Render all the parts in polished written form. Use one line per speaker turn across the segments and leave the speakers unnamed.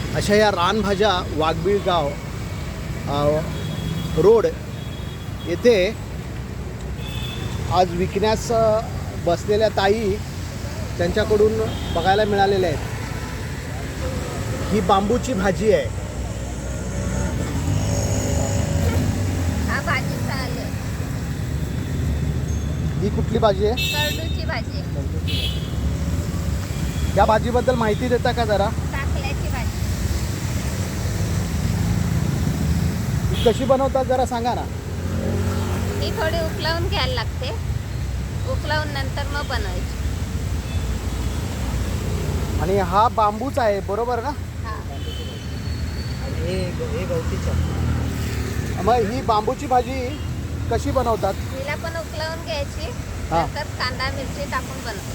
अशा या रानभाज्या वाघबीळगाव रोड येथे आज विकण्यास बसलेल्या ताई त्यांच्याकडून बघायला मिळालेल्या आहेत. ही बांबूची भाजी आहे.
हा भाजीचा आले
ही कुठली भाजी आहे?
करडूची भाजी,
या भाजीबद्दल माहिती देता का जरा?
टाकल्याची भाजी.
ही कशी बनवतात जरा सांगा ना.
ही थोडी उकळवून घ्यायला लागते, उकळवून नंतर मग बनवायची.
आणि हा बांबूच आहे बरोबर ना?
हा.
आणि हे गवतीचा. मग ही बांबूची भाजी कशी बनवतात?
हिला पण उकळवून घ्यायची,
हा.
नंतर कांदा मिरची टाकून बनवायची.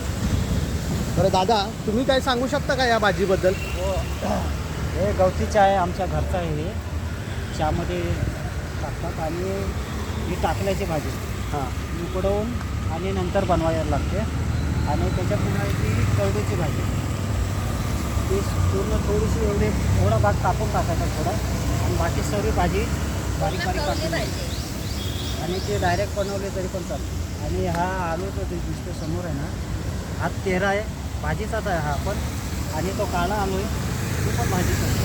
बरं दादा, तुम्ही काय सांगू शकता का या भाजीबद्दल?
हो, हे गवतीचं आहे, आमच्या घरचं आहे. हे चहामध्ये टाकतात आणि ही टाकल्याची भाजी
हां
उकडवून आणि नंतर बनवायला लागते. आणि त्याच्यात पुन्हा ती करडूची भाजी, ती पूर्ण थोडीशी थोडा भाग कापून टाकायचा थोडा, आणि बाकी सर्व भाजी बारीक बारीक
कवली
कापून
भाजी.
आणि ते डायरेक्ट बनवले तरी पण चालतं. आणि हा आलू जो दिसतो समोर आहे ना, हा तेरा आहे, भाजीचाच आहे हा पण. आणि तो काळा आलू आहे, तो पण भाजीचा आहे.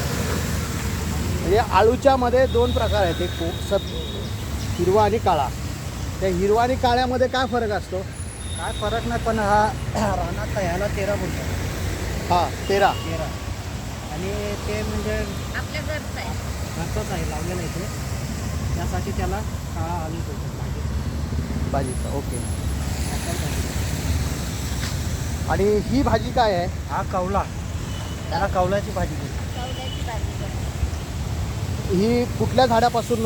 म्हणजे आळूच्या मध्ये दोन प्रकार आहेत, एक हिरवा आणि काळा. त्या हिरवा आणि काळ्यामध्ये काय फरक असतो?
काय फरक नाही, पण हा रानात ह्याला तेरा बोलतात.
हां, तेरा.
तेरा. आणि ते म्हणजे
आपल्या घरचं आहे.
घरचंच आहे, लावलेलं आहे ते, त्यासाठी त्याला काळा आलू बोलतात भाजी.
भाजीचा. ओके.
असा भाजी.
आणि ही भाजी काय आहे?
हा कवला, त्याला कवल्याची भाजी बोलतात.
कवल्याची भाजी बनवायची.
ही कुठल्या झाडापासून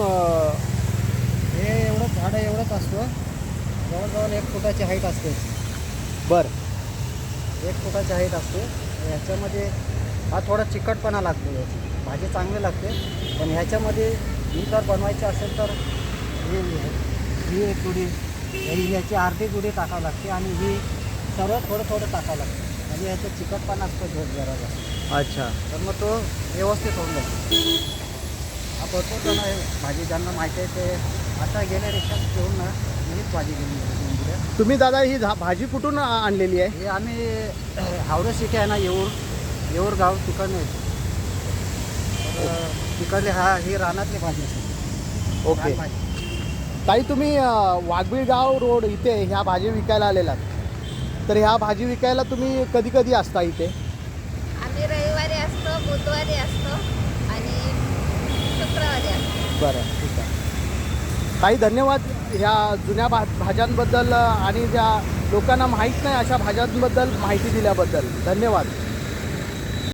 हे एवढंच झाडं एवढंच असतं, जवळजवळ 1 फुटाची हाईट असते.
बर
1 फुटाची हाईट असते. ह्याच्यामध्ये हा थोडा चिकटपणा लागतो, याची भाजी चांगली लागते. पण ह्याच्यामध्ये ही जर बनवायची असेल तर ही एक गुडी, ह्याची अर्धी गुडी टाकावं लागते, आणि ही सर्व थोडं थोडं टाकावं लागतं. म्हणजे ह्याचा चिकटपणा असतो जरा जास्त,
अच्छा.
तर मग तो व्यवस्थित होऊन जातो. हा भरपूर जण आहे भाजी ज्यांना माहिती आहे ते आता गेल्या रिक्षात घेऊन ना मीच भाजी घेऊन.
तुम्ही दादा ही भाजी कुठून आणलेली आहे?
हे आम्ही हावडे सिटी आहे ना, येऊर गाव, तिकडनं येतो. तर तिकडले ही रानातली भाजी असते.
ओके.
रानभाजी.
ताई, तुम्ही वाघबीळगाव रोड इथे ह्या भाजी विकायला आलेलात, तर ह्या भाजी विकायला तुम्ही कधी कधी असता इथे?
आम्ही रविवारी असतो, बुधवारी असतो आणि शुक्रवारी असतो.
बरं, ठीक आहे. ताई, धन्यवाद ह्या जुन्या भाज्यांबद्दल आणि ज्या लोकांना माहीत नाही अशा भाज्यांबद्दल माहिती दिल्याबद्दल. धन्यवाद.